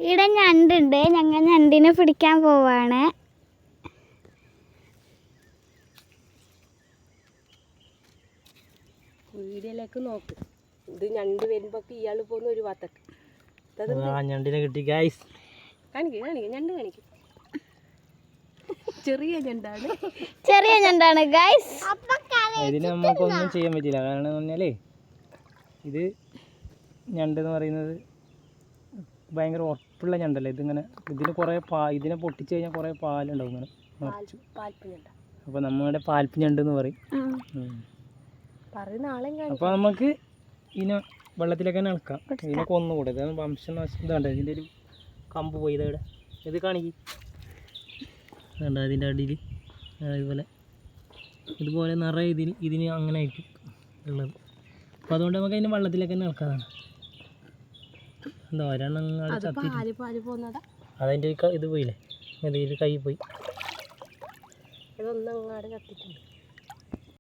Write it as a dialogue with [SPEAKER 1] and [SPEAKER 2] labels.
[SPEAKER 1] ഇവിടെ ഞണ്ടുണ്ട്. ഞങ്ങൾ ഞണ്ടിനെ പിടിക്കാൻ പോവാണ്.
[SPEAKER 2] വീഡിയോയിലേക്ക് നോക്ക്. ഇത് ഞണ്ട് വരുമ്പോ ഇയാൾ പോകുന്ന ഒരു ഭാഗത്തേക്ക്.
[SPEAKER 3] ഞണ്ടിനെ കിട്ടി ഗൈസ്.
[SPEAKER 2] കാണിക്കും ഞണ്ട് കാണിക്കും. ചെറിയ
[SPEAKER 1] ഞണ്ടാണ് ഗൈസ്.
[SPEAKER 3] ഇതിന് നമുക്കൊന്നും ചെയ്യാൻ പറ്റില്ല. കാരണം എന്ന് പറഞ്ഞാലേ ഇത് ഞണ്ടെന്ന് പറയുന്നത് ഭയങ്കര ഉറപ്പുള്ള ഞണ്ടല്ലേ. ഇതിങ്ങനെ ഇതിന് കുറേ ഇതിനെ പൊട്ടിച്ച് കഴിഞ്ഞാൽ കുറേ പാലുണ്ടാവും ഇങ്ങനെ നിറച്ചു. അപ്പോൾ നമ്മുടെ പാൽപ്പ് ഞണ്ടെന്ന് പറയും. അപ്പോൾ നമുക്ക് ഇതിനെ വെള്ളത്തിലേക്ക് തന്നെ ഇളക്കാം. ഇതിനെ കൊന്നുകൂടെ. ഇതാണ് വംശനാശം. ഇതാണ്ട് ഇതിൻ്റെ ഒരു കമ്പ് പോയി ഇതവിടെ. ഇത് കാണിക്കും. വേണ്ട അതിൻ്റെ അടിയിൽ ഇതുപോലെ നിറയെ ഇതിന് അങ്ങനെ ആയിരിക്കും ഉള്ളത്. അപ്പോൾ അതുകൊണ്ട് നമുക്ക് അതിൻ്റെ വെള്ളത്തിലേക്ക് തന്നെ ഇളക്കാതാണ്. എന്താ ഒരെണ്ണം ചത്തി അതതിൻ്റെ ഇത് പോയില്ലേ. ഇതിൽ കൈ പോയി.
[SPEAKER 2] ഇതൊന്നങ്ങാട് ചത്തിട്ടുണ്ട്.